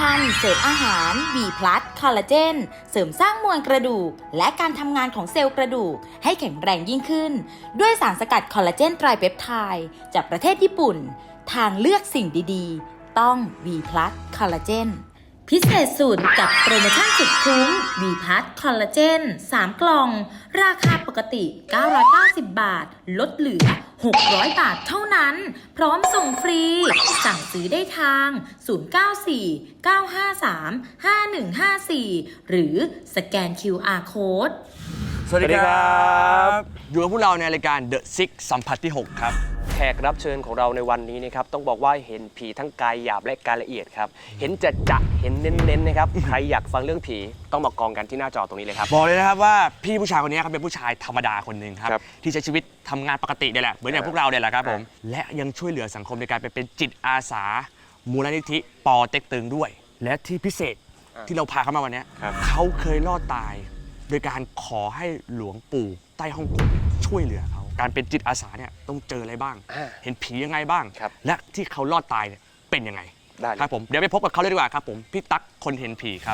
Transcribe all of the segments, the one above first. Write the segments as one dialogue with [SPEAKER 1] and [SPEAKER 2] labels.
[SPEAKER 1] รรมเสริมอาหาร B+ คอลลาเจนเสริมสร้างมวลกระดูกและการทำงานของเซลล์กระดูกให้แข็งแรงยิ่งขึ้นด้วยสารสกัดคอลลาเจนไตรเปปไทด์จากประเทศญี่ปุ่นทางเลือกสิ่งดีๆต้อง B+ คอลลาเจนพิเศษสุดกับโปรโมชั่นสุดคุ้ม B+ คอลลาเจน3 กล่องราคาปกติ990 บาทลดเหลือ600 บาทเท่านั้นพร้อมส่งฟรีสั่งซื้อได้ทาง0949535154หรือสแกน QR Code
[SPEAKER 2] สวัสดีครับอยู่กับพวกเราในรายการ The Six สัมผัสที่ 6 ครับ
[SPEAKER 3] แขกรับเชิญของเราในวันนี้นะครับต้องบอกว่าเห็นผีทั้งกายหยาบและกายละเอียดครับเห็นจะเห็นเน้นๆนะครับ ใครอยากฟังเรื่องผีต้องมากองกันที่หน้าจอตรงนี้เลยครับ
[SPEAKER 2] บอกเลยนะครับว่าพี่ผู้ชายคนนี้ครับเป็นผู้ชายธรรมดาคนหนึ่งครับที่ใช้ชีวิตทำงานปกติเนี่ยแหละเหมือนอย่างพวกเราเนี่ยแหละครับผมและยังช่วยเหลือสังคมในการไปเป็นจิตอาสามูลนิธิปอเต็กตึงด้วยและที่พิเศษที่เราพาเขามาวันนี้เขาเคยรอดตายโดยการขอให้หลวงปู่ใต้ฮ่องกงช่วยเหลือเขาการเป็นจิตอาสาเนี่ยต้องเจออะไรบ้างเห็นผียังไงบ้างและที่เขารอดตายเนี่ยเป็นยังไงครับผมเดี๋ยวไปพบกับเขาเลยดีกว่าครับผมพี่ตั๊กคนเห็นผีครับ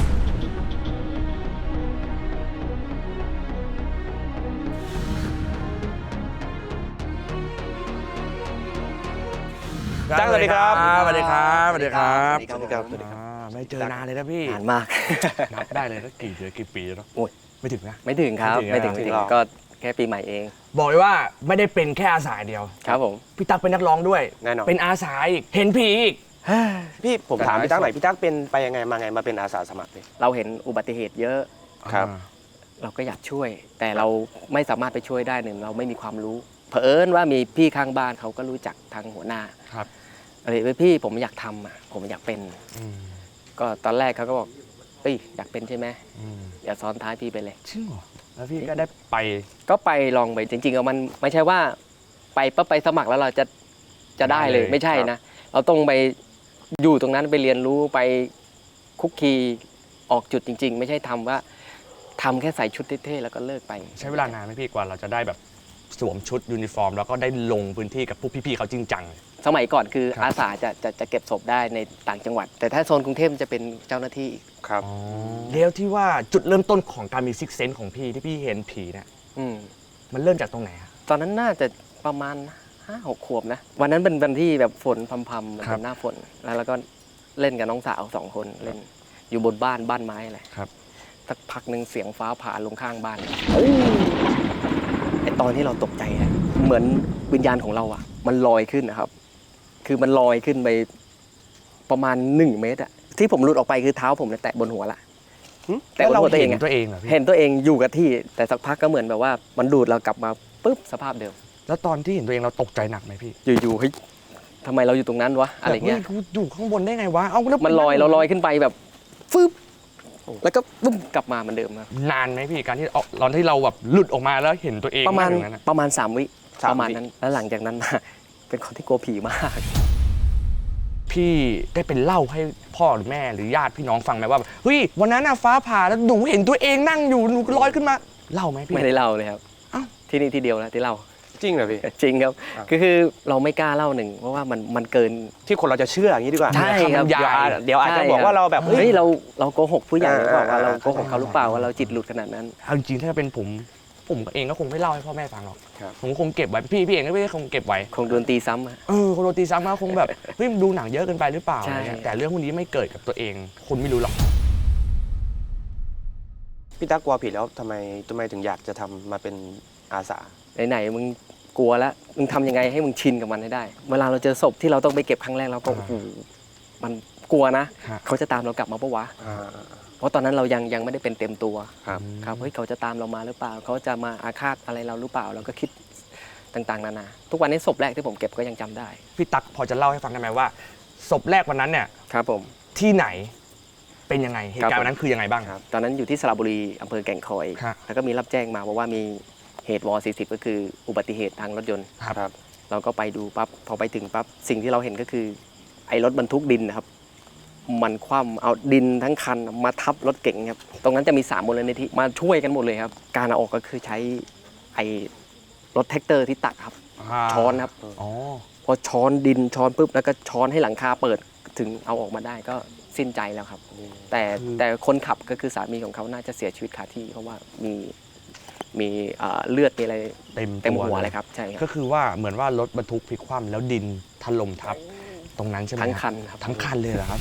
[SPEAKER 3] ตั้งสวัสดีครับ
[SPEAKER 2] สวัสดีครับสวัสดีครับ
[SPEAKER 3] สวัสดีครับ
[SPEAKER 2] ไม่เจอนานเลยนะพี่
[SPEAKER 3] นานมาก
[SPEAKER 2] นับได้เลยก็กี่เดือนกี่ปีแล้วเนาะ
[SPEAKER 3] โอ้ย
[SPEAKER 2] ไม่ถึงนะ
[SPEAKER 3] ไม่ถึงครับไม่ถึงก็แค่ปีใหม่เอง
[SPEAKER 2] บอกเลยว่าไม่ได้เป็นแค่อาสาเดียว
[SPEAKER 3] ครับผม
[SPEAKER 2] พี่ตั๊กเป็นนักร้องด้วย
[SPEAKER 3] แน่นอน
[SPEAKER 2] เป็นอาสาอีกเห็นผีอีก
[SPEAKER 4] พี่ผมถามพี่ตั๊กหน่อยพี่ตั๊กเป็นไปยังไงมาไงมาเป็นอาสาสมัครเลย
[SPEAKER 3] เราเห็นอุบัติเหตุเยอะ
[SPEAKER 4] ครับ
[SPEAKER 3] เราก็อยากช่วยแต่เราไม่สามารถไปช่วยได้หนึ่งเราไม่มีความรู้เผอิญว่ามีพี่ข้างบ้านเขาก็รู้จักทางหัวหน้า
[SPEAKER 2] ครับ
[SPEAKER 3] อะไรพี่ผมอยากทำอ่ะผมอยากเป็นก็ตอนแรกเขาก็บอกเอ้ยอยากเป็นใช่ไหมอย่าซ้อนท้ายพี่ไปเลย
[SPEAKER 2] จริงเหรอแล้วพี่ก็ได้ไป
[SPEAKER 3] ก็ไปลองไปจริงๆมันไม่ใช่ว่าไปปั๊บไปสมัครแล้วเราจะได้เลยไม่ใช่นะเราต้องไปอยู่ตรงนั้นไปเรียนรู้ไปคุกคีออกจุดจริงๆไม่ใช่ทำว่าทำแค่ใส่ชุดเท่ๆแล้วก็เลิกไป
[SPEAKER 2] ใช้เวลานานไหมพี่กว่าเราจะได้แบบสวมชุดยูนิฟอร์มแล้วก็ได้ลงพื้นที่กับพวกพี่ๆเขาจริงจัง
[SPEAKER 3] สมัยก่อนคืออาสาจะเก็บศพได้ในต่างจังหวัดแต่ถ้าโซนกรุงเทพจะเป็นเจ้าหน้าที่
[SPEAKER 4] ครับ
[SPEAKER 2] แล้วที่ว่าจุดเริ่มต้นของการมีซิกเซนส์ของพี่ที่พี่เห็นผีเนี่ยมันเริ่มจากตรงไหนครับ
[SPEAKER 3] ตอนนั้นน่าจะประมาณ5-6 ขวบนะวันนั้นเป็นวันที่แบบฝนพรำๆเป็นหน้าฝนแล้วก็เล่นกับน้องสาว2 คนเล่นอยู่บนบ้านไม้อะไร
[SPEAKER 2] ครับ
[SPEAKER 3] สักพักหนึ่งเสียงฟ้าผ่าลงข้างบ้านไอตอนที่เราตกใจเหมือนวิญญาณของเราอ่ะมันลอยขึ้นนะครับคือมันลอยขึ้นไปประมาณ1 เมตรอะที่ผมหลุดออกไปคือเท้าผมแตะบนหัวละ
[SPEAKER 2] แต่บนหัวตัวเองเห็นตัวเองเหรอพี่
[SPEAKER 3] เห็นตัวเองอยู่กับที่แต่สักพักก็เหมือนแบบว่ามันดูดเรากลับมาปุ๊บสภาพเดิม
[SPEAKER 2] แล้วตอนที่เห็นตัวเองเราตกใจหนักไหมพี่
[SPEAKER 3] อยู่ๆเฮ้ยทำไมเราอยู่ตรงนั้นวะอะไรเงี้ย
[SPEAKER 2] อยู่ข้างบนได้ไงวะเอา
[SPEAKER 3] มันลอยเราลอยขึ้นไปแบบฟึบแล้วก็ปุ้มกลับมาเหมือนเดิมครับ
[SPEAKER 2] นานไหมพี่การที่ตอนที่เราแบบหลุดออกมาแล้วเห็นตัวเอง
[SPEAKER 3] ประมาณ3 วิประมาณนั้นแล้วหลังจากนั้นมาเป็นคนที่กลัวผีมาก
[SPEAKER 2] พี่ได้เป็นเล่าให้พ่อหรือแม่หรือญาติพี่น้องฟังไหมว่าเฮ้ยวันนั้นฟ้าผ่าแล้วหนูเห็นตัวเองนั่งอยู่หนูลอยขึ้นมาเล่าไหมพี่
[SPEAKER 3] ไม่ได้เล่าเลยครับที่นี่ที่เดียวนะที่เล่า
[SPEAKER 4] จริงเหรอพี่
[SPEAKER 3] จริงครับคือเราไม่กล้าเล่าหนึ่งเพราะว่ามันเกิน
[SPEAKER 4] ที่คนเราจะเชื่ออย่างนี้ดีกว่า
[SPEAKER 3] ใช่ครับ
[SPEAKER 4] เดี๋ยวอาจจะบอกว่าเราแบบ
[SPEAKER 3] เฮ้ยเราโกหกผู้ใหญ่หรือเปล่าว่าเราโกหกเขาหรือเปล่าว่าเราจิตหลุดขนาดนั้น
[SPEAKER 2] เอาจริงถ้าเป็นผมเองก็คงไม่เล่าให้พ่อแม่ฟังหรอกผมคงเก็บไว้พี่เองก็ไม่ได้คงเก็บไว้
[SPEAKER 3] คงโดนตีซ้ำ
[SPEAKER 2] คงโดนตีซ้ำมาคงแบบเฮ้ยดูหนังเยอะเกินไปหรือเปล่าแต่เรื่องพวกนี้ไม่เกิดกับตัวเองคนไม่รู้หรอก
[SPEAKER 4] พี่ตั๊กกลัวผีแล้วทำไมถึงอยากจะทำมาเป็นอาสา
[SPEAKER 3] ไหนมึงกลัวแล้วมึงทำยังไงให้มึงชินกับมันให้ได้เวลาเราเจอศพที่เราต้องไปเก็บครั้งแรกเราก็มันกลัวนะเขาจะตามเรากลับมาปะวะเพราะตอนนั้นเรายังไม่ได้เป็นเต็มตัวครับเฮ้ยเขาจะตามเรามาหรือเปล่าเขาจะมาอาฆาตอะไรเราหรือเปล่าเราก็คิดต่างๆนานาทุกวันนี้ศพแรกที่ผมเก็บก็ยังจำได้
[SPEAKER 2] พี่ตั๊กพอจะเล่าให้ฟังได้ไหมว่าศพแรกวันนั้นเนี่ย
[SPEAKER 3] ครับผม
[SPEAKER 2] ที่ไหนเป็นยังไงเหตุการณ์วันนั้นคือยังไงบ้าง
[SPEAKER 3] ครับตอนนั้นอยู่ที่สระบุรีอำเภอแก่งคอยแล้วก็มีรับแจ้งมาว่ามีเหตุว40ก็คืออุบัติเหตุทางรถยนต์
[SPEAKER 2] ครับ
[SPEAKER 3] เราก็ไปดูปั๊บพอไปถึงปั๊บสิ่งที่เราเห็นก็คือไอ้รถบรรทุกดินนะครับมันคว่ำเอาดินทั้งคันมาทับรถเก๋งครับตรงนั้นจะมี3 มูลนิธิมาช่วยกันหมดเลยครับการเอาออกก็คือใช้ไอ้รถแท็กเตอร์ที่ตักครับช้อนครับพอช้อนดินช้อนปุ๊บแล้วก็ช้อนให้หลังคาเปิดถึงเอาออกมาได้ก็สิ้นใจแล้วครับ แต่คนขับก็คือสามีของเขาน่าจะเสียชีวิตคาที่เพราะว่ามีเลือดมีอะไร
[SPEAKER 2] เต็ม
[SPEAKER 3] เต็ม
[SPEAKER 2] ตัว
[SPEAKER 3] หัว
[SPEAKER 2] เล
[SPEAKER 3] เลย ยครับใช่ค
[SPEAKER 2] ก็
[SPEAKER 3] รับ
[SPEAKER 2] คือว่าเหมือนว่ารถบรรทุกพลิกคว่ำแล้วดินถล่มทับตรงนั้นใช่ไหม
[SPEAKER 3] ทั้ง
[SPEAKER 2] รับ
[SPEAKER 3] คันครับ
[SPEAKER 2] ทั้งคันเลยเหรอครับ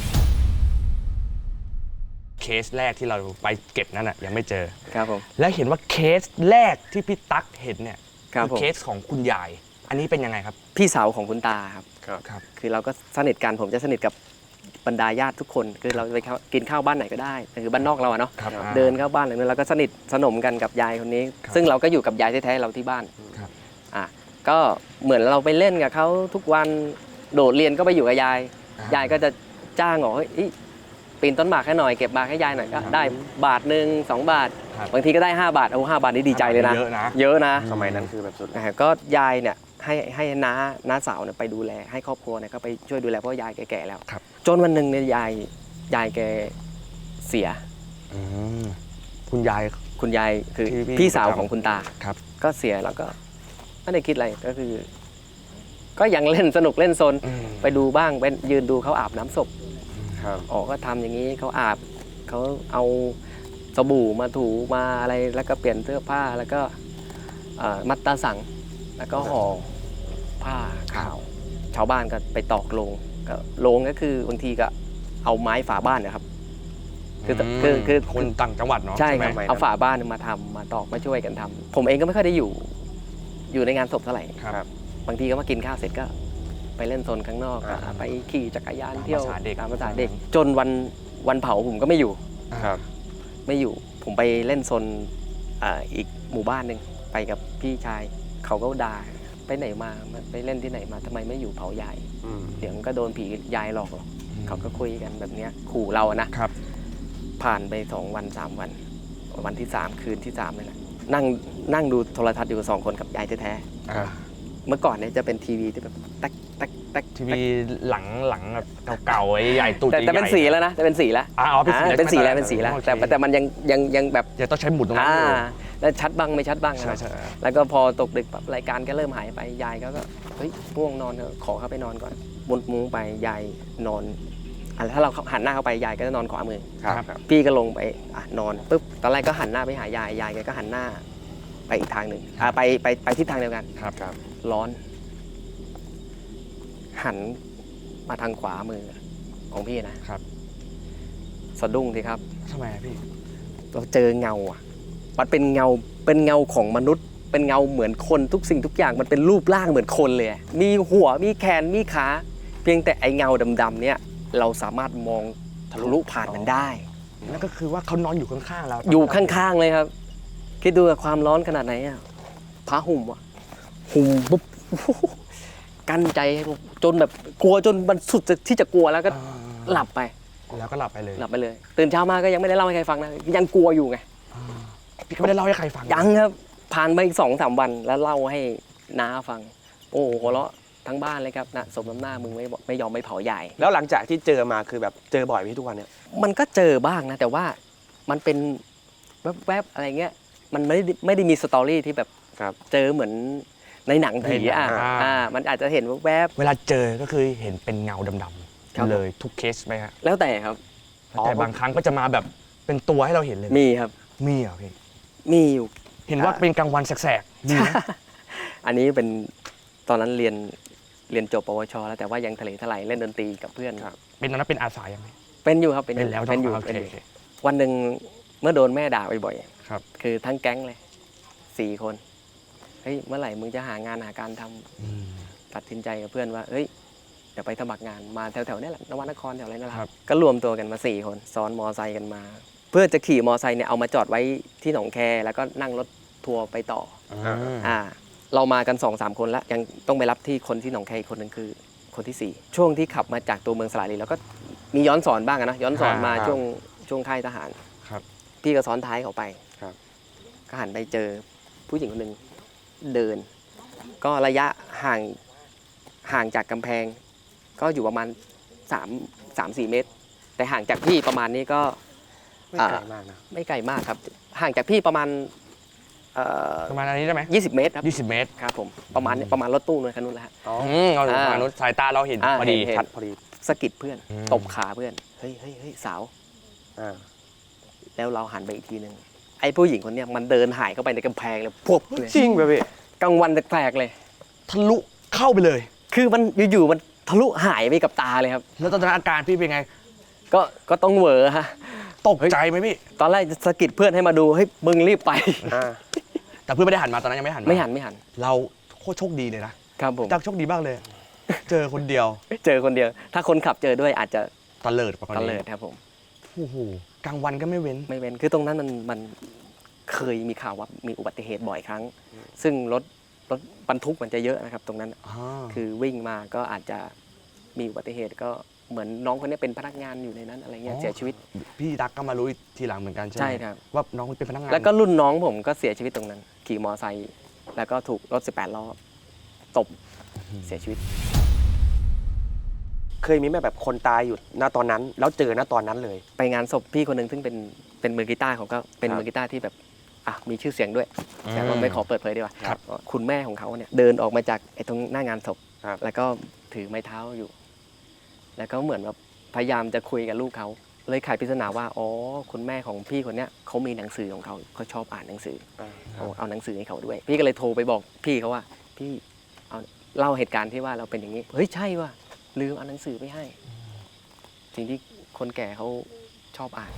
[SPEAKER 2] เคสแรกที่เราไปเก็บนั่นน่ะยังไม่เจอ
[SPEAKER 3] ครับผม
[SPEAKER 2] แล้วเห็นว่าเคสแรกที่พี่ตั๊กเห็นเนี่ย
[SPEAKER 3] ครับผม
[SPEAKER 2] เคสของคุณยาย อันนี้เป็นยังไงครับ
[SPEAKER 3] พี่สาวของคุณตาครับ
[SPEAKER 2] ครับ
[SPEAKER 3] คือเราก็สนิทกันผมจะสนิทกับบรรดาญาติทุกคนคือเราจะไปกินข้าวบ้านไหนก็ได้คือบ้านนอกเราอะเนาะ
[SPEAKER 2] ครับ
[SPEAKER 3] เดินเข้าบ้านอะไรนั้นเราก็สนิทสนมกันกับยายคนนี้
[SPEAKER 2] ครับ
[SPEAKER 3] ซึ่งเราก็อยู่กับยายแท้ๆเราที่บ้าน
[SPEAKER 2] ครับ
[SPEAKER 3] ก็เหมือนเราไปเล่นกับเขาทุกวันโดดเรียนก็ไปอยู่กับยาย ยายก็จะจ้างบอกเฮ้ยปีนต้นหมากให้หน่อยเก็บหมากให้ยายหน่อยก็ได้บาทหนึ่ง2 บาท
[SPEAKER 2] ครับ
[SPEAKER 3] บางทีก็ได้5 บาทเอา5 บาทนี่ดีใจเลยนะ
[SPEAKER 2] เยอะนะ
[SPEAKER 3] เยอะนะ
[SPEAKER 4] สมัยนั้นคือแบบสุด
[SPEAKER 3] ก็ยายเนี่ยให้น้าสาวเนี่ยไปดูแลให้ครอบครัวเนี่ยก็ไปช่วยดูแลเพราะยายแก่ๆแล้ว
[SPEAKER 2] ครับ
[SPEAKER 3] จนวันหนึ่งเนี่ยยายแกเสีย
[SPEAKER 2] อืมคุณยาย
[SPEAKER 3] คุณยายคือ
[SPEAKER 2] ที่พี่
[SPEAKER 3] พี่สาว
[SPEAKER 2] ประจำ
[SPEAKER 3] ของคุณตา
[SPEAKER 2] ครับ
[SPEAKER 3] ก็เสียแล้วก็ไม่ได้คิดอะไรก็คือ ก็ยังเล่นสนุกเล่นซน
[SPEAKER 2] อืม
[SPEAKER 3] ไปดูบ้างไปยืนดูเขาอาบน้ำศพ
[SPEAKER 4] ครับ
[SPEAKER 3] อ๋อก็ทำอย่างนี้เขาอาบเขาเอาสบู่มาถูมาอะไรแล้วก็เปลี่ยนเสื้อผ้าแล้วก็มัดตาสัง แล้วก็ห่อผ้าขาว ชาวบ้านก็ไปตอกโลงก็โลงก็คือบางทีก็เอาไม้ฝาบ้านนะครับ คือ
[SPEAKER 2] คนต่างจังหวัดเนาะ
[SPEAKER 3] ใช่
[SPEAKER 2] ไห
[SPEAKER 3] ค
[SPEAKER 2] ม
[SPEAKER 3] รับเอาฝาบ้านมาทำมาตอกมาช่วยกันทำผมเองก็ไม่ค่อยได้อยู่ในงานศพเท่าไหร่
[SPEAKER 2] ครับ
[SPEAKER 3] บางทีก็มากินข้าวเสร็จก็ไปเล่นโซนข้างนอก
[SPEAKER 2] อ่า
[SPEAKER 3] ไปขี่จักรยานเที่ยว
[SPEAKER 2] ตามภาษาเด็ก
[SPEAKER 3] ตามภาษาเด็ก จนวันเผาผมก็ไม่อยู่
[SPEAKER 4] ครับ
[SPEAKER 3] ไม่อยู่ ผมไปเล่นโซนอีกหมู่บ้านหนึ่งไปกับพี่ชายเขาก็ด่าไปไหนมาไปเล่นที่ไหนมาทำไมไม่อยู่เผายาย
[SPEAKER 4] อืม
[SPEAKER 3] เดี๋ยวมันก็โดนผียายหลอกหรอกเขาก็คุยกันแบบเนี้ยขู่เราอะนะครับ ผ่านไป2 วัน 3 วัน วันที่ 3 คืนที่3นี่แหละนั่งดูโทรทัศน์อยู่2 คนกับยายแท้
[SPEAKER 2] ครับ
[SPEAKER 3] ๆเมื่อก่อนเนี่ยจะเป็นทีวีที่แบบแต๊กแต๊กแต๊ก
[SPEAKER 2] ทีวีหลังแบบเก่าๆไอ้ใหญ่ตูด
[SPEAKER 3] แต่เป็น
[SPEAKER 2] ใหญ่ๆ
[SPEAKER 3] สีแล้วนะจะเป็นสีแล้ว
[SPEAKER 2] อ๋อเป็นสีแล้ว
[SPEAKER 3] เป็นสีแล้ว
[SPEAKER 2] ใช่ไหม
[SPEAKER 3] เป็นสีแล้ว
[SPEAKER 2] โอเค
[SPEAKER 3] แต่มันยังแบบ
[SPEAKER 2] ยังต้องใช้หมุดตรงนั้นอยู่
[SPEAKER 3] แล้วชัดบ้างไม่ชัดบ้าง
[SPEAKER 2] ใช่
[SPEAKER 3] นะ
[SPEAKER 2] ใช่
[SPEAKER 3] แล้วก็พอตกดึกปั๊บรายการก็เริ่มหายไปยายก็เฮ้ยง่วงนอนเถอะขอเข้าไปนอนก่อนบนมุ้งไปยายนอนถ้าเราหันหน้าเข้าไปยายก็จะนอนขวามือ
[SPEAKER 4] ครับ
[SPEAKER 3] พี่ก็ลงไปนอนปุ๊บตอนแรกก็หันหน้าไปหายายแกก็หันหน้าไปอีกทางหนึ่งไปทิศทางเดียวกัน
[SPEAKER 2] ครับ
[SPEAKER 4] ครับ
[SPEAKER 3] ร้อน หันมาทางขวามือของพี่นะครับ สะดุ้งสิครับ
[SPEAKER 2] ทำไมอะพี่
[SPEAKER 3] เราเจอเงาอ่ะมันเป็นเงาของมนุษย์ เป็นเงาเหมือนคนทุกสิ่งทุกอย่างมันเป็นรูปร่างเหมือนคนเลย มีหัวมีแขนมีขาเพียงแต่ไอเงาดำๆเนี่ยเราสามารถมองทะลุผ่านมันได้
[SPEAKER 2] นั่นก็คือว่าเขานอนอยู่ข้างๆเรา
[SPEAKER 3] อยู่ข้างๆเลยครับ คิดดูว่าความร้อนขนาดไหนอ่ะผ้าห่มอ่ะห่มปุ๊บ กั้นใจให้ผมจนแบบกลัวจนมันสุดที่จะกลัวแล้วก็หลับไป
[SPEAKER 2] แล้วก็หลับไปเลย
[SPEAKER 3] หลับไปเลย ตื่นเช้ามาก็ยังไม่ได้เล่าให้ใครฟังนะยังกลัวอยู่ไง
[SPEAKER 2] พี่ก็ไม่ได้เล่าให้ใครฟัง
[SPEAKER 3] ยังครับผ่านไปอีก2-3 วันแล้วเล่าให้น้าฟัง โอ้โหหัวเราะทั้งบ้านเลยครับนะสมน้ำหน้ามึงไม่ยอมไม่เผาใหญ่
[SPEAKER 4] แล้วหลังจากที่เจอมาคือแบบเจอบ่อยไหมทุกวันเนี่ย
[SPEAKER 3] มันก็เจอบ้างนะ แต่ว่ามันเป็นแวบๆอะไรเงี้ยมันไม่ได้มีสตอรี่ที่แบบ
[SPEAKER 4] ครับ
[SPEAKER 3] เจอเหมือนในหนังผีมันอาจจะเห็นแวบ
[SPEAKER 2] เวลาเจอก็คือเห็นเป็นเงาดำ
[SPEAKER 3] ครับ
[SPEAKER 2] ๆเลยทุกเคสไหมฮะ
[SPEAKER 3] ๆแล้วแต่ครับ
[SPEAKER 2] แต่บางครั้งก็จะมาแบบเป็นตัวให้เราเห็นเลย
[SPEAKER 3] มีครับ
[SPEAKER 2] มีเหรอพี่
[SPEAKER 3] มีอยู่
[SPEAKER 2] เห็นว่าเป็นกลางวันแสกๆมีไหม
[SPEAKER 3] อันนี้เป็นตอนนั้นเรียนจบปวช แล้วแต่ว่ายังทะเลทลายเล่นดนตรีกับเพื่อน
[SPEAKER 2] เป็นตอนนั้นเป็นอาสายังไง
[SPEAKER 3] เป็นอยู่ครับ
[SPEAKER 2] เป็นแล้ว
[SPEAKER 3] เป็นอยู่
[SPEAKER 2] โอเค
[SPEAKER 3] เป็นอยู่
[SPEAKER 2] โอเค
[SPEAKER 3] วันหนึ่งเมื่อโดนแม่ด่าบ่อย
[SPEAKER 2] ครับ
[SPEAKER 3] ๆคือทั้งแก๊งเลย4 คนเฮ้ยเมื่อไหร่มึงจะหางานหาการทำตัดสินใจกับเพื่อนว่าเฮ้ยเดี๋ยวไปสมัครงานมาแถวๆนี่แหละนวนครแถวอะไรนั่นแหละ
[SPEAKER 2] ครับ
[SPEAKER 3] ก็รวมตัวกันมา4 คนซ้อนมอไซค์กันมา เพื่อจะขี่มอไซค์เนี่ยเอามาจอดไว้ที่หนองแคแล้วก็นั่งรถทัวร์ไปต่อ เรามากัน 2-3 คนแล้วยังต้องไปรับที่คนที่หนองแคอีกคนหนึงคือคนที่ 4 ช่วงที่ขับมาจากตัวเมืองสระบุรีแล้วก็มีย้อนสอนบ้างอะนะย้อนสอนมา
[SPEAKER 2] ครับ
[SPEAKER 3] ช่วงค่ายทหาร
[SPEAKER 2] ครับ
[SPEAKER 3] พี่ก็ซ้อนท้ายเขาไป
[SPEAKER 4] ครับ
[SPEAKER 3] ก็หันไปเจอผู้หญิงคนหนึ่งเดิน ก็ระยะห่างจากกำแพง ก็อยู่ประมาณ3-4 เมตร แต่ห่างจากพี่ประมาณนี้ก็
[SPEAKER 4] ไม่ไกลมากนะ
[SPEAKER 3] ไม่ไกลมากครับ ห่างจากพี่ประมาณ
[SPEAKER 2] ประมาณอันนี้ได้ไหม
[SPEAKER 3] 20 เมตรครับ
[SPEAKER 2] 20 เมตร
[SPEAKER 3] ครับผมประมาณนี้ประมาณรถตู้เลยคันนู้นแหละฮะ
[SPEAKER 4] อ๋อ
[SPEAKER 2] เราดูมนุษย์สายตาเราเห็นพอดี
[SPEAKER 3] เห็น
[SPEAKER 2] ชัด
[SPEAKER 4] พอดี
[SPEAKER 3] สะกิดเพื่อน
[SPEAKER 2] อืม
[SPEAKER 3] ตบขาเพื่อนเฮ้ยเฮ้ยเฮ้ยสาว
[SPEAKER 4] อ่า
[SPEAKER 3] แล้วเราหันไปอีกทีหนึ่งไอ้ผู้หญิงคนเนี้ยมันเดินหายเข้าไปในกำแพงเลยพวบเลย
[SPEAKER 4] จริงป่ะพี่
[SPEAKER 3] กลางวันแปลกๆเลย
[SPEAKER 2] ทะลุเข้าไปเลย
[SPEAKER 3] คือมันอยู่ๆมันทะลุหายไปกับตาเลยครับ
[SPEAKER 2] แล้วตอนนั้นอาการพี่เป็นไง
[SPEAKER 3] ก็ต้องเหวอฮะ
[SPEAKER 2] ตกใจไหมพี่
[SPEAKER 3] ตอนแรกจะสะกิดเพื่อนให้มาดูเฮ้ยมึงรีบไป
[SPEAKER 4] อ่า
[SPEAKER 2] แต่เพื่อนไม่ได้หันมาตอนนั้นยังไม่หันมา
[SPEAKER 3] ไม่หัน
[SPEAKER 2] เราโคตรโชคดีเลยนะครับ
[SPEAKER 3] ผม
[SPEAKER 2] ตักโชคดีมากเลย เจอคนเดียว
[SPEAKER 3] เจอคนเดียว ถ้าคนขับเจอด้วยอาจจะ
[SPEAKER 2] ตะเลิดกว่าคน
[SPEAKER 3] ตะ
[SPEAKER 2] นี้
[SPEAKER 3] เลิดครับผม
[SPEAKER 2] โอ้โหกลางวันก็ไม่เว้น
[SPEAKER 3] ไม่เป็นคือตรงนั้นมันเคยมีข่าวว่ามีอุบัติเหตุบ่อยครั้ง ซึ่งรถบรรทุกมันจะเยอะนะครับตรงนั้น คือวิ่งมาก็อาจจะมีอุบัติเหตุก็เหมือนน้องคนนี้เป็นพนักงานอยู่ในนั้นอะไรเงี้ยเสียชีวิต
[SPEAKER 2] พี่ตักก็มารู้ทีหลังเหมือนกันใช่ไหม
[SPEAKER 3] ใช่ครับ
[SPEAKER 2] ว่าน้องเป็นพนักงาน
[SPEAKER 3] แล้วก็รุ่นน้องผมก็เสียชีวิตตรงนั้น ขี่มอไซค์แล้วก็ถูกรถ 18 ล้อตบเสียชีวิต
[SPEAKER 4] เคยมีไหมแบบคนตายอยู่ณตอนนั้น แล้วเจอณตอนนั้นเลย
[SPEAKER 3] ไปงานศพพี่คนหนึ่งซึ่งเป็นมือกีตาร์เขาก็เป็น
[SPEAKER 4] ครับ
[SPEAKER 3] มือกีตาร์ที่แบบมีชื่อเสียงด้วย แต่ว่าไม่ขอเปิดเผยดีกว่า
[SPEAKER 2] ครับ
[SPEAKER 3] คุณแม่ของเขาเนี่ยเดินออกมาจากไอ้ตรงหน้างานศพ
[SPEAKER 4] ครับ
[SPEAKER 3] แล้วก็ถือไม้เท้าอยู่ แล้วก็เหมือนแบบพยายามจะคุยกับลูกเขาเลยไขปริศนาว่าอ๋อคุณแม่ของพี่คนเนี้ยเขามีหนังสือของเขาชอบอ่านหนังสือ
[SPEAKER 4] อ่า
[SPEAKER 3] เอาหนังสือให้เขาด้วย พี่ก็เลยโทรไปบอกพี่เขาว่าพี่เอาเล่าเหตุการณ์ที่ว่าเราเป็นอย่างนี้เฮ้ยใช่ว่ะลืมเอาหนังสือไปให้สิ่งที่คนแก่เขาชอบอ่าน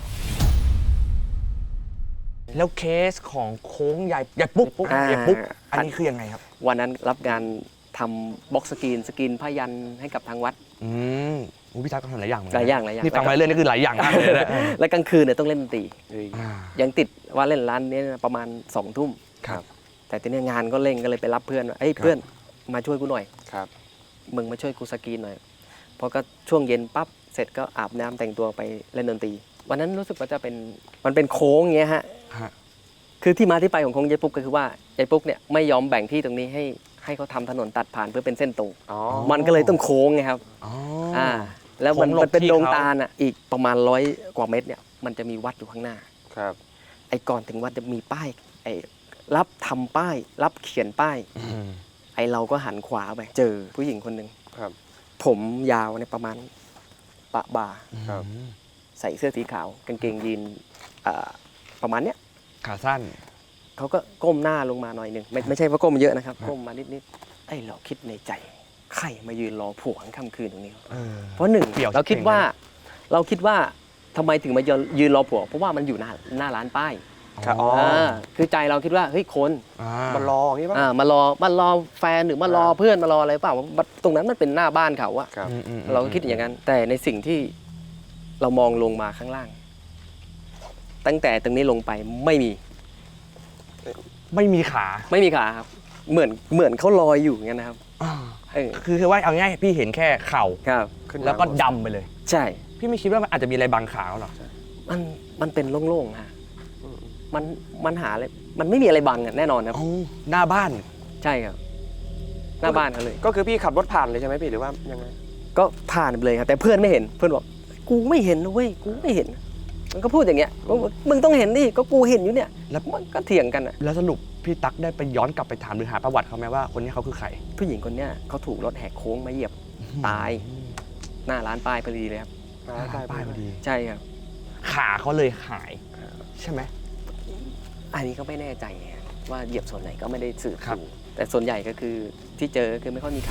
[SPEAKER 2] แล้วเคสของโค้งใหญ่ปุ๊ก
[SPEAKER 3] อ่า
[SPEAKER 2] ใหญ่ปุ๊กอันนี้คือยังไงครับ
[SPEAKER 3] วันนั้นรับงานทำบ็อกสกรีนผ้ายันให้กับทางวัด
[SPEAKER 2] อืมอู้พี่ตักก็ทำหลายอย่างเหมือน
[SPEAKER 3] ห
[SPEAKER 2] กั
[SPEAKER 3] ลายอย่างหลายอย่าง
[SPEAKER 2] นี่ฟังมาเรื่อยนี่คือหลายอย่างมากเลยนะ
[SPEAKER 3] และกลางคืนเนี่ยต้องเล่นดนตรี
[SPEAKER 4] เฮ้ย
[SPEAKER 2] อ่า
[SPEAKER 3] ยังติดว่าเล่นร้านนี้ประมาณ2 ทุ่ม
[SPEAKER 2] ครับ
[SPEAKER 3] แต่ทีนี้งานก็เร่งก็เลยไปรับเพื่อนว่าเอ้ย
[SPEAKER 2] ครับ
[SPEAKER 3] เพื่อนมาช่วยกูหน่อย
[SPEAKER 4] ครับ
[SPEAKER 3] มึงมาช่วยกูสกรีนหน่อยพอก็ช่วงเย็นปั๊บเสร็จก็อาบน้ำแต่งตัวไปเล่นดนตรีวันนั้นรู้สึกว่าจะเป็นมันเป็นโค้งอย่างเงี้ยฮะ
[SPEAKER 2] ฮะ
[SPEAKER 3] คือที่มาที่ไปของโค้งยายปุ๊กก็คือว่ายายปุ๊กเนี่ยไม่ยอมแบ่งที่ตรงนี้ให้เขาทำถนนตัดผ่านเพื่อเป็นเส้นตรง
[SPEAKER 4] อ๋อ
[SPEAKER 3] มันก็เลยต้องโค้งไงครับ
[SPEAKER 2] อ๋อ
[SPEAKER 3] แล้วมัน
[SPEAKER 2] โค้งหลบ
[SPEAKER 3] มันเป็น
[SPEAKER 2] ที่
[SPEAKER 3] ดง
[SPEAKER 2] เขา
[SPEAKER 3] ตาลอ่ะอีกประมาณ100 กว่าเมตรเนี่ยมันจะมีวัดอยู่ข้างหน้า
[SPEAKER 4] ครับ
[SPEAKER 3] ไอ้ก่อนถึงวัดจะมีป้ายไอ้รับทำป้าย รับเขียนป้าย
[SPEAKER 2] อืม
[SPEAKER 3] ไอ้เราก็หันขวาไปเจอผู้หญิงคนหนึ่ง
[SPEAKER 4] ครับ
[SPEAKER 3] ผมยาวเนี่ยประมาณปะบ่า
[SPEAKER 4] ครับ
[SPEAKER 3] ใส่เสื้อสีขาวกางเกงยีนประมาณเนี้ย
[SPEAKER 2] ขาสั้น
[SPEAKER 3] เขาก็ก้มหน้าลงมาหน่อยหนึ่งไม่ใช่ว่าก้มเยอะนะครับก้มมานิดๆไอ้เราคิดในใจใครมายืนรอผัวกลางค่ำคืนตรงนี้
[SPEAKER 2] เออ
[SPEAKER 3] เพราะหนึ่ง
[SPEAKER 2] เปี่ยว
[SPEAKER 3] เราคิด
[SPEAKER 2] เก่ง
[SPEAKER 3] ว่าทำไมถึงมายืนรอผัวเพราะว่ามันอยู่หน้าร้านป้าย
[SPEAKER 4] ครับอ๋อ
[SPEAKER 3] คือใจเราคิดว่าเฮ้ยคน
[SPEAKER 4] มันรออย่างนี้ป่ะ
[SPEAKER 3] มารอแฟนหรือมารอเพื่อนมารออะไรเปล่าตรงนั้นมันเป็นหน้าบ้านเขาอะ
[SPEAKER 4] ครับ
[SPEAKER 3] เราก็คิดอย่างนั้น แต่ในสิ่งที่เรามองลงมาข้างล่าง ตั้งแต่ตรงนี้ลงไปไม่มี
[SPEAKER 2] ไม่มีขา
[SPEAKER 3] ไม่มีขาครับเหมือนเขาลอยอยู่อย่างนั้นนะครับเออ
[SPEAKER 2] คือว่าเอาง่ายๆพี่เห็นแค่เข่า
[SPEAKER 3] ครับ
[SPEAKER 4] ขึ้นมา
[SPEAKER 2] แล้วก็ดำไปเลย
[SPEAKER 3] ใช่
[SPEAKER 2] พี่ไม่คิดว่ามันอาจจะมีอะไรบังขาเขาหรอ
[SPEAKER 3] มันเป็นโล่งๆฮะมันหาอะไรมันไม่มีอะไรบังอะแน่นอนครับ
[SPEAKER 2] อ๋อหน้าบ้าน
[SPEAKER 3] ใช่ครับ หน้าบ้านเขาเลย
[SPEAKER 4] ก็คือพี่ขับรถผ่านเลยใช่ไหมพี่หรือว่ายังไง
[SPEAKER 3] ก็ผ่านไปเลยครับ แต่เพื่อนไม่เห็นเพื่อนบอกกูไม่เห็นนะเว้ยกูไม่เห็น มันก็พูดอย่างเงี้ยมึงต้องเห็นดิก็กูเห็นอยู่เนี่ย
[SPEAKER 2] แล้ว
[SPEAKER 3] มันก็เถียงกันอ่ะ
[SPEAKER 2] แล้วสรุปพี่ตั๊กได้ไปย้อนกลับไปถามหรือหาประวัติเขาไหมว่าคนนี้เขาคือใคร
[SPEAKER 3] ผู้หญิงคนเนี้ยเขาถูกรถแหกโค้งมาเหยียบตายหน้าร้านป้ายพอดีเลยครับ
[SPEAKER 2] ป้ายพอดี
[SPEAKER 3] ใช่ครับ
[SPEAKER 2] ขาเขาเลยหาย ใช่ไหม
[SPEAKER 3] อันนี้ก็ไม่แน่ใจไงว่าเหยียบส่วนไหนก็ไม่ได้สืบ
[SPEAKER 2] ครับ
[SPEAKER 3] ดูแต่ส่วนใหญ่ก็คือที่เจอคือไม่ค่อยมีขา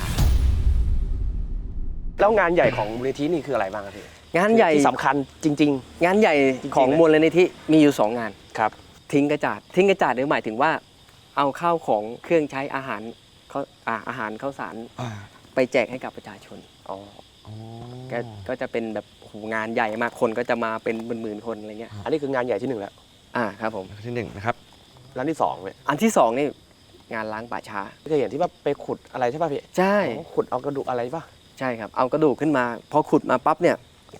[SPEAKER 4] แล้วงานใหญ่ของมูลนิธินี่คืออะไรบ้างครับพี่
[SPEAKER 3] งานใหญ่
[SPEAKER 4] ที่สำคัญจริง
[SPEAKER 3] งานใหญ่ของ
[SPEAKER 4] จริงๆเลย
[SPEAKER 3] มูลนิธิมีอยู่2 งาน
[SPEAKER 4] ๆ ครับ
[SPEAKER 3] ทิ้งกระจาดเนี่ยหมายถึงว่าเอาข้าวของเครื่องใช้อาหารอาหารข้าวสารไปแจกให้กับประชาชน
[SPEAKER 4] อ๋อ
[SPEAKER 3] ก็จะเป็นแบบโอ้โหงานใหญ่มากคนก็จะมาเป็นหมื่นๆคนอะไรเงี้ย
[SPEAKER 4] อันนี้คืองานใหญ่ที่1แล้ว
[SPEAKER 3] ครับผม
[SPEAKER 2] ที่หนึ่งนะครับ
[SPEAKER 4] ร้านที่2เนี่ย
[SPEAKER 3] อันที่2นี่งานล้างป่าช้า
[SPEAKER 4] เคยเห็นที่ว่าไปขุดอะไรใช่ป่ะพี่
[SPEAKER 3] ใช่
[SPEAKER 4] อ๋อขุดเอากระดูกอะไรป่ะ
[SPEAKER 3] ใช่ครับเอากระดูกขึ้นมาพอขุดมาปั๊บเนี่ย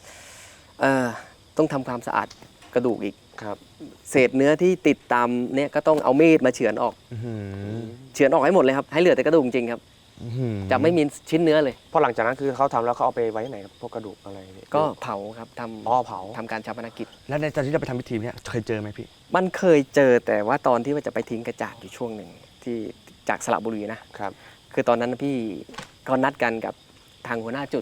[SPEAKER 3] ต้องทำความสะอาดกระดูกอีก
[SPEAKER 4] ครับ
[SPEAKER 3] เศษเนื้อที่ติดตามเนี่ยก็ต้องเอามีดมาเฉือนออก เฉือนออกให้หมดเลยครับให้เหลือแต่กระดูกจริงครับจะไม่มีชิ้นเนื้อเลย
[SPEAKER 4] พอหลังจากนั้นคือเขาทำแล้วเขาเอาไปไว้ไหนครับพวกกระดูกอะไรเนี่ย
[SPEAKER 3] ก็เผาครับท
[SPEAKER 4] อ๋อเผา
[SPEAKER 3] ำทำการชาปนกิจ
[SPEAKER 2] แล้วในตอนที่เราไปทำพิธีเนี่ยเคยเจอไหมพี่
[SPEAKER 3] มันเคยเจอแต่ว่าตอนที่ว่าจะไปทิ้งกระจาดอยู่ช่วงหนึ่งที่จากสระบุรีนะครับ คือตอนนั้นพี่ก็นัดกันกับทางหัวหน้าจุด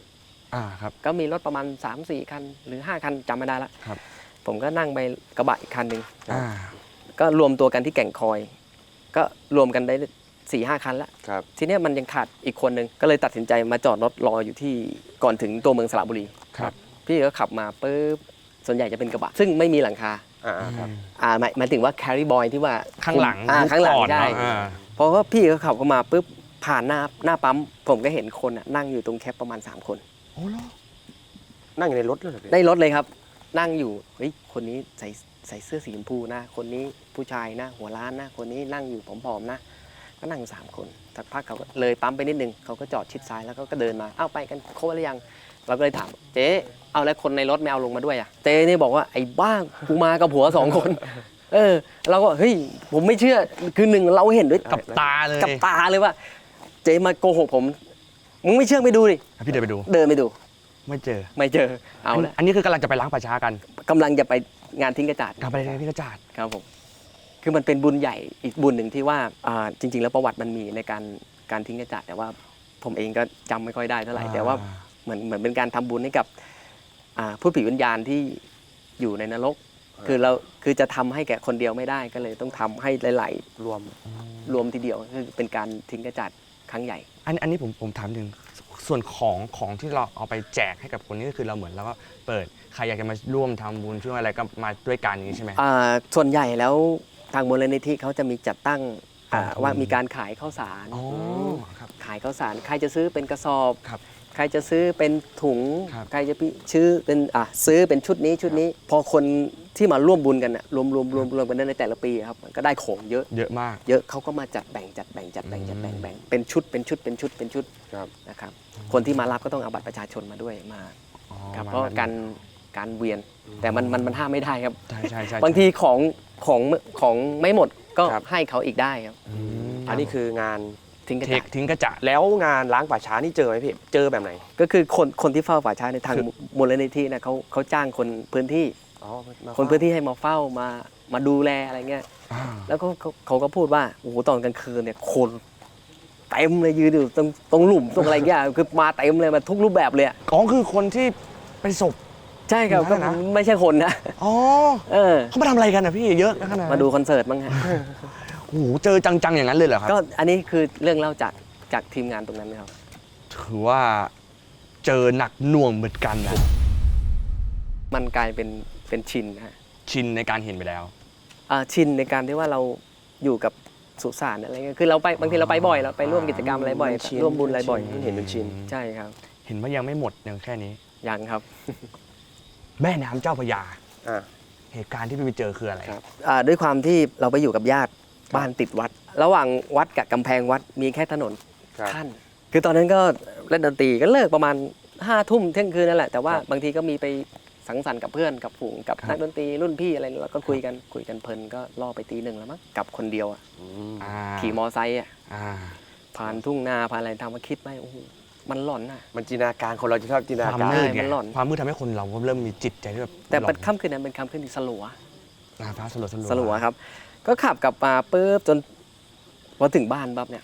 [SPEAKER 2] ครับ
[SPEAKER 3] ก็มีรถประมาณ 3-4 คันหรือ 5 คันจำไม่ได้ละ
[SPEAKER 2] ครับ
[SPEAKER 3] ผมก็นั่งไปกระบะอีกคันหนึ่ง
[SPEAKER 2] อ่า
[SPEAKER 3] ก็รวมตัวกันที่แก่งคอย ก็รวมกันได้ 4-5 คันละ
[SPEAKER 4] ครับ
[SPEAKER 3] ทีเนี้ยมันยังขาดอีกคนนึงก็เลยตัดสินใจมาจอดรถรออยู่ที่ก่อนถึงตัวเมืองสระบุรี
[SPEAKER 2] ครับ
[SPEAKER 3] พี่ก็ขับมาปุ๊บส่วนใหญ่จะเป็นกระบะซึ่งไม่มีหลังคา
[SPEAKER 4] ครับ
[SPEAKER 3] หมายถึงว่า carry boy ที่ว่า
[SPEAKER 2] ข้างหลัง
[SPEAKER 3] ข้างหลัง
[SPEAKER 2] ก่อน
[SPEAKER 3] ใช่
[SPEAKER 2] เนอะ
[SPEAKER 3] เพราะว่าพี่ก็ขับเข้ามาปุ๊บผ่านหน้าปั๊มผมก็เห็นคนน่ะนั่งอยู่ตรงแคปประมาณ 3 คน
[SPEAKER 2] โอ้โห
[SPEAKER 4] นั่งอยู่ในรถเลยเหรอพี่
[SPEAKER 3] ได้รถเลยครับ นั่งอยู่เฮ้ยคนนี้ใส่เสื้อสีชมพูนะคนนี้ผู้ชายนะหัวล้านนะคนนี้นั่งอยู่ผอมๆนะก็นั่ง3 คนสักพักเขาก็เลยปั๊มไปนิดนึงเขาก็จอดชิดซ้ายแล้วก็เดินมาเอาไปกันครบหรือยังเราก็เลยถามเจ๊เอาแล้วคนในรถไม่เอาลงมาด้วยอ่ะเจ๊นี่บอกว่าไอ้บ้ากูมากับผัว2 คนเราก็เฮ้ยผมไม่เชื่อคือหนึ่งเราเห็นด้วย
[SPEAKER 2] กับตาเลย
[SPEAKER 3] กับตาเลยว่าเจ๊มาโกหกผมมึงไม่เชื่อไปดูดิ
[SPEAKER 2] พี่เดินไปดู
[SPEAKER 3] เดินไปดู
[SPEAKER 2] ไม่เจอ
[SPEAKER 3] ไม่เจอเอาละ
[SPEAKER 2] อันนี้คือกำลังจะไปล้างป่าช้ากัน
[SPEAKER 3] กำลังจะไปงานทิ้งกระจาด
[SPEAKER 2] กลับไปที่กระจาด
[SPEAKER 3] ครับผมคือมันเป็นบุญใหญ่อีกบุญหนึ่งที่ว่าจริง ๆ แล้วประวัติมันมีในการทิ้งกระจาดแต่ว่าผมเองก็จำไม่ค่อยได้เท่าไหร่แต่ว่าเหมือนเป็นการทำบุญให้กับผู้ผีวิญญาณที่อยู่ในนรกคือจะทำให้แก่คนเดียวไม่ได้ก็เลยต้องทำให้หลายๆรวมทีเดียวคือเป็นการทิ้งกระจาดครั้งใหญ่
[SPEAKER 2] อันนี้ผมถามถึงส่วนของที่เราเอาไปแจกให้กับคนนี้ก็คือเราเหมือนเราก็เปิดใครอยากจะมาร่วมทำบุญช่วยอะไรก็มาด้วยกันอย่างนี้ใช่ไหม
[SPEAKER 3] ส่วนใหญ่แล้วทางมูลนิธิเขาจะมีจัดตั้งว่ามีการขายข้าวสาร
[SPEAKER 2] อ๋อครับ
[SPEAKER 3] ขายข้าวสารใครจะซื้อเป็นกระสอบ
[SPEAKER 2] ครับ
[SPEAKER 3] ใครจะซื้อเป็นถุง
[SPEAKER 2] ครับ
[SPEAKER 3] ใครจะซื้อเป็นซื้อเป็นชุดนี้พอคนที่มาร่วมบุญกันน่ะรวมกันในแต่ละปีครับมันก็ได้ของเยอะ
[SPEAKER 2] เยอะมาก
[SPEAKER 3] เยอะเขาก็มาจัดแบ่งเป็นชุด
[SPEAKER 4] ครับ
[SPEAKER 3] นะครับคนที่มารับก็ต้องเอาบัตรประชาชนมาด้วยมา
[SPEAKER 2] อ๋อ
[SPEAKER 3] ครับ
[SPEAKER 2] มัน
[SPEAKER 3] เพราะการเวียนแต่มันห้ามไม่ได้ครับ
[SPEAKER 2] ใช่
[SPEAKER 3] บางทีของไม่หมดก็ให้เขาอีกได้ครับ
[SPEAKER 4] อันนี้คืองาน
[SPEAKER 3] ทิ้งกระ
[SPEAKER 2] เท
[SPEAKER 3] จา
[SPEAKER 2] ค
[SPEAKER 3] ด
[SPEAKER 2] ทิ้งกระจาด
[SPEAKER 4] แล้วงานล้างป่าช้านี่เจอไหมพี่เจอแบบไหน
[SPEAKER 3] ก็คือคนที่เฝ้าป่าช้าในทางมูลนิธินะเขาจ้างคนพื้นที่
[SPEAKER 4] อ๋อมา
[SPEAKER 3] คนพื้นที่ให้มาเฝ้ามาดูแลอะไรเงี้ยแล้วเขาก็พูดว่าโอ้โหตอนกลางคืนเนี่ยคนเต็มเลยยืนอยู่ตรงหลุมตรงอะไรเงี้ยคือมาเต็มเลยมาทุกรูปแบบเลยอะ
[SPEAKER 2] อ๋อคือคนที่เป็นศพ
[SPEAKER 3] ใช่ครับ
[SPEAKER 2] นั่
[SPEAKER 3] ก็
[SPEAKER 2] นน่ะนะ
[SPEAKER 3] ไม่ใช่คนนะ
[SPEAKER 2] อ๋อ เขามาทำอะไรกันอ่ะพี่เยอะขนาดนั้น
[SPEAKER 3] มาดูคอนเสิร์ตมั้งฮะ
[SPEAKER 2] โอ้โหเจอจังๆอย่างนั้นเลยเหรอครับ
[SPEAKER 3] ก็อันนี้คือเรื่องเล่าจากทีมงานตรงนั้นนะครับ
[SPEAKER 2] ถือว่าเจอหนักหน่วงเหมือนกันนะ
[SPEAKER 3] มันกลายเป็นชินนะฮะ
[SPEAKER 2] ชินในการเห็นไปแล้ว
[SPEAKER 3] ชินในการที่ว่าเราอยู่กับสุสานอะไรเงี้ยคือเราไปบางทีเราไปบ่อยเราไปร่วมกิจกรรมอะไรบ่อย ร่วมบุญอะไรบ่อย
[SPEAKER 4] เห็นเป็นชิน
[SPEAKER 3] ใช่ครับ
[SPEAKER 2] เห็นว่ายังไม่หมดอย่างแค่นี้
[SPEAKER 3] ยังครับ
[SPEAKER 2] แม่น้ำเจ้าพระยา
[SPEAKER 4] อ่า
[SPEAKER 2] เหตุการณ์ที่พี่ไปเจอคืออะไร
[SPEAKER 4] ครับ
[SPEAKER 3] ด้วยความที่เราไปอยู่กับญาติบ้านติดวัด ระหว่างวัดกับกำแพงวัดมีแค่ถนน
[SPEAKER 4] ครับ
[SPEAKER 3] ขั้นคือตอนนั้นก็เล่นดนตรีก็เลิกประมาณ5 ทุ่มเที่ยงคืนนั่นแหละแต่ว่า
[SPEAKER 4] ครับ
[SPEAKER 3] บางทีก็มีไปสังสรรค์กับเพื่อนกับฝูงกับนักดนตรีรุ่นพี่อะไรเราก็คุยกันเพลินก็ล่อไปตี 1แล้วมั้งกลับคนเดียวอะ
[SPEAKER 2] อ่า
[SPEAKER 3] ขี่มอไซค์อะ
[SPEAKER 2] อ่า
[SPEAKER 3] ผ่านทุ่งนาผ่านอะไรทำมาคิดไปโอ้โหมันหลอนอะ
[SPEAKER 4] มันจินตนาการคนเราจะชอบจินต
[SPEAKER 2] ค
[SPEAKER 4] นาว
[SPEAKER 2] าม
[SPEAKER 4] การ
[SPEAKER 2] มืดไง
[SPEAKER 3] มันหลอน
[SPEAKER 2] ความมืดทำให้คนเราก็เริ่มมีจิตใจที่แบบ
[SPEAKER 3] แต่
[SPEAKER 2] หล
[SPEAKER 3] เป็
[SPEAKER 2] อน
[SPEAKER 3] ค่ำคืนนั้นเป็นค่ำคืนที่สลัว
[SPEAKER 2] ฟ้าสลัว
[SPEAKER 3] สลัวครับ ก็ขับกลับมาปุ๊บจนพอถึงบ้านปั๊บเนี่ย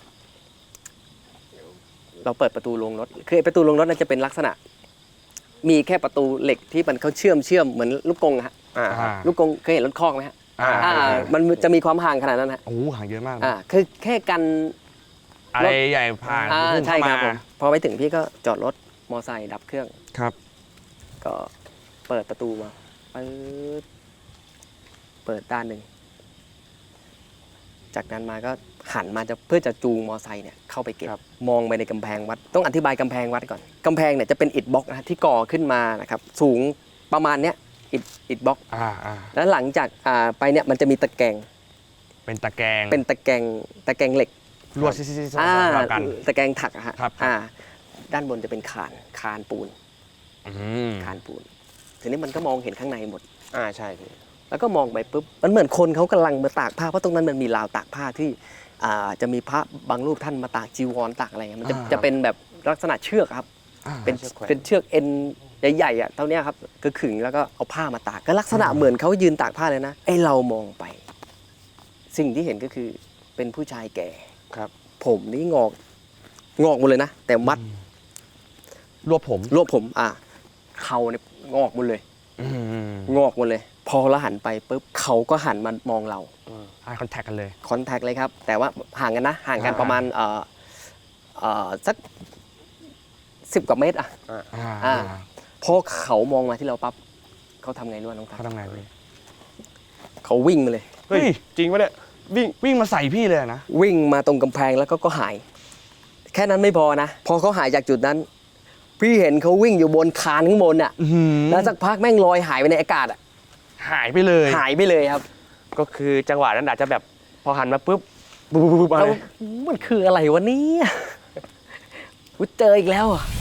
[SPEAKER 3] เราเปิดประตูโรงรถคือไอ้ประตูโรงรถน่าจะเป็นลักษณะ มีแค่ประตูเหล็กที่มันเขาเชื่อมเหมือนลูกกรงอะฮะ
[SPEAKER 4] อ่า
[SPEAKER 3] ลูกกรงเคยเห็นรถคอกไหมฮะ มันจะมีความห่างขนาดนั้นฮะ
[SPEAKER 2] โอ้โหห่างเยอะมากนะ
[SPEAKER 3] คือแค่กัน
[SPEAKER 2] อะไรใหญ่ผ่านพุ่ง
[SPEAKER 3] ใช่
[SPEAKER 2] เข้า
[SPEAKER 3] ครับ
[SPEAKER 2] มา
[SPEAKER 3] ผมพอไปถึงพี่ก็จอดรถมอไซค์ดับเครื่อง
[SPEAKER 2] ครับ
[SPEAKER 3] ก็เปิดประตูมาเปิดด้านหนึ่งจากนั้นมาก็หันมาเพื่อจะจูงมอไซค์เนี่ยเข้าไปเก็บมองไปในกำแพงวัดต้องอธิบายกำแพงวัดก่อนกำแพงเนี่ยจะเป็นอิฐบล็อกนะที่ก่อขึ้นมานะครับสูงประมาณเนี้ยอิฐบล็อก แล้วหลังจากไปเนี่ยมันจะมีตะแกรง
[SPEAKER 2] เป็นตะแกรง
[SPEAKER 3] เป็นตะแกรงเหล็ก
[SPEAKER 2] ลวดซิๆๆๆกัน
[SPEAKER 3] ตะแกรงถักอะฮะ
[SPEAKER 2] ครับ
[SPEAKER 3] ด้านบนจะเป็นคานปูน
[SPEAKER 2] อืม
[SPEAKER 3] คานปูนทีนี้มันก็มองเห็นข้างในหมด
[SPEAKER 4] ใช่พี่
[SPEAKER 3] แล้วก็มองไปปุ๊บมันเหมือนคนเขากำลังมาตากผ้าเพราะตรงนั้นมันมีราวตากผ้าที่จะมีพระบางรูปท่านมาตากจีวรตากอะไรเงี้ยมันจะเป็นแบบลักษณะเชือกครับ เป็นเชือกเอ็นใหญ่ๆอ่ะเท่านี้ครับก็ขึงแล้วก็เอาผ้ามาตากก็ลักษณะเหมือนเขายืนตากผ้าเลยนะไอเรามองไป สิ่งที่เห็นก็คือเป็นผู้ชายแก่
[SPEAKER 4] ครับ
[SPEAKER 3] ผมนี่งอกหมดเลยนะแต่
[SPEAKER 2] รวบผม
[SPEAKER 3] รวบผมเขาเนี่ยงอกหมดเลย
[SPEAKER 2] อืม
[SPEAKER 3] งอกหมดเลย พอเราหันไปปุ๊บเขาก็หันมามองเรา
[SPEAKER 2] eye contact กันเลย
[SPEAKER 3] คอนแทคเลยครับ แต่ว่าห่างกันนะ ห่างกันประมาณสัก10 กว่าเมตรพอเขามองมาที่เราปั๊บเขาทำไงรู้ไหมน้องทัศ
[SPEAKER 2] เขาทำไงพี่
[SPEAKER 3] เขาวิ่งมาเลย
[SPEAKER 2] เฮ้ย
[SPEAKER 4] จริงปะเนี่ย
[SPEAKER 2] วิ่งมาใส่พี่เลยนะ
[SPEAKER 3] วิ่งมาตรงกำแพงแล้วก็หาย แค่นั้นไม่พอนะ พอเขาหายจากจุดนั้น พี่เห็นเขาวิ่งอยู่บนคานข้างบนอ่ะแล้วสักพักแม่งลอยหายไปในอากาศอ่ะ
[SPEAKER 2] หายไปเลย
[SPEAKER 3] หายไปเลยครับ
[SPEAKER 4] ก็คือจังหวะนั้นอาจจะแบบพอหันมาปุ๊บปุ๊บมา
[SPEAKER 3] แล้ว
[SPEAKER 4] เลย
[SPEAKER 3] มันคืออะไรวะเนี่ยกูเจออีกแล้วอ่ะ